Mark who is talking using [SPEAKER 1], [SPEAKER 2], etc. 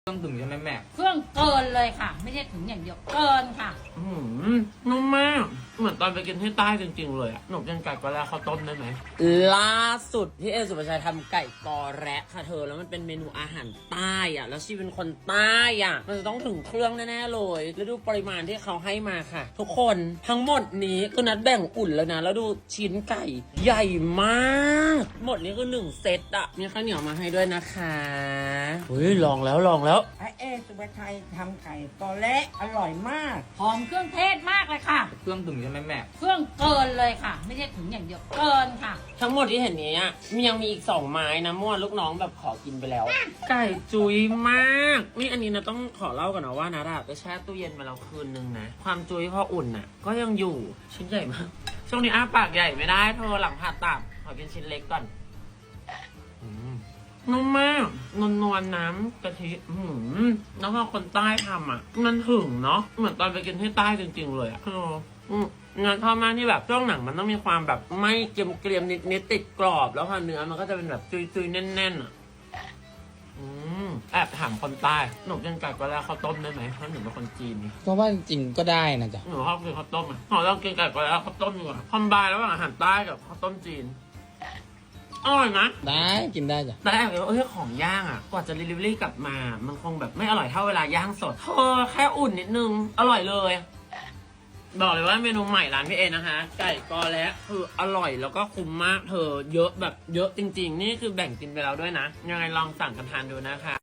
[SPEAKER 1] เครื่องถึงใช่ไหมแม่
[SPEAKER 2] เครื่องเกินเลยค่ะ ไม่ใช่ถึงอย่างเดียวเกินค่ะ
[SPEAKER 1] นุ่มมากเหมือนตอนไปกินที่ใต้จริงๆเลยอะหนูกินไก่กอแลข้าวต้มได้ไหม
[SPEAKER 3] ล่าสุดพี่เอสุภาชัยทำไก่กอแระค่ะเธอแล้วมันเป็นเมนูอาหารใต้อ่ะแล้วชีเป็นคนใต้อ่ะมันจะต้องถึงเครื่องแน่ๆเลยแล้วดูปริมาณที่เขาให้มาค่ะทุกคนทั้งหมดนี้ก็นัดแบ่งอุ่นแล้วนะแล้วดูชิ้นไก่ใหญ่มากหมดนี้คือ1เซตอ่ะมีข้าวเหนียวมาให้ด้วยนะคะเฮ้ยลองแล้ว
[SPEAKER 4] พระเอสุภาชัยทำไก่กอแระอร่อยมาก
[SPEAKER 2] หอมเครื่องเทศมากเลยค่ะ
[SPEAKER 1] เครื่องถึงใช่ไหมแม่
[SPEAKER 2] เครื่องเกินเลยค่ะ ไม่ใช่ถึงอย่างเดียวเกินค่ะ
[SPEAKER 3] ทั้งหมดที่เห็นนี้ยังมีอีก2ไม้นะมั่วลูกน้องแบบขอกินไปแล้ว ไก่จุยมากนี่อันนี้นะต้องขอเล่าก่อนนะว่านะไปแช่ตู้เย็นมาแล้วคืนนึงนะความจุยพออุ่นน่ะก็ยังอยู่ชิ้นใหญ่มากช่วงนี้อ้าปากใหญ่ไม่ได้เธอหลังผ่าตัดขอกินชิ้นเล็กก่อนนุ่มมากนวลน้ำกะทิแล้วพอคนใต้ทำมันถึงเนาะเหมือนตอนไปกินที่ใต้จริงๆเลยงานชอบมากที่แบบช่วงหนังมันต้องมีความแบบไม่เกรียมนิดติดกรอบแล้วพอเนื้อมันก็จะเป็นแบบจุยๆแน่นแอบถามคนใต้หนูกินไก่กอแลข้าวต้มได้ไหมเพราะหนูเป็นคนจีน
[SPEAKER 5] เพราะว่าจริงๆก็ได้นะจ๊ะ
[SPEAKER 3] หนูชอบกินข้าวต้มหนูลองกินไก่กอแลข้าวต้มดีกว่าคอมไบน์ระหว่างอาหารใต้กับข้าวต้มจีนอร่อยนะ
[SPEAKER 5] ได้กินได้จ้ะ
[SPEAKER 3] แต่แอบว่าของย่างกว่าจะ delivery กลับมามันคงแบบไม่อร่อยเท่าเวลาย่างสดแค่อุ่นนิดนึงอร่อยเลยบอกเลยว่าเมนูใหม่ร้านพี่เอนะคะไก่กอแระคืออร่อยแล้วก็คุ้มมากเธอเยอะแบบเยอะจริงๆนี่คือแบ่งกินไปแล้วด้วยนะยังไงลองสั่งกันทานดูนะคะ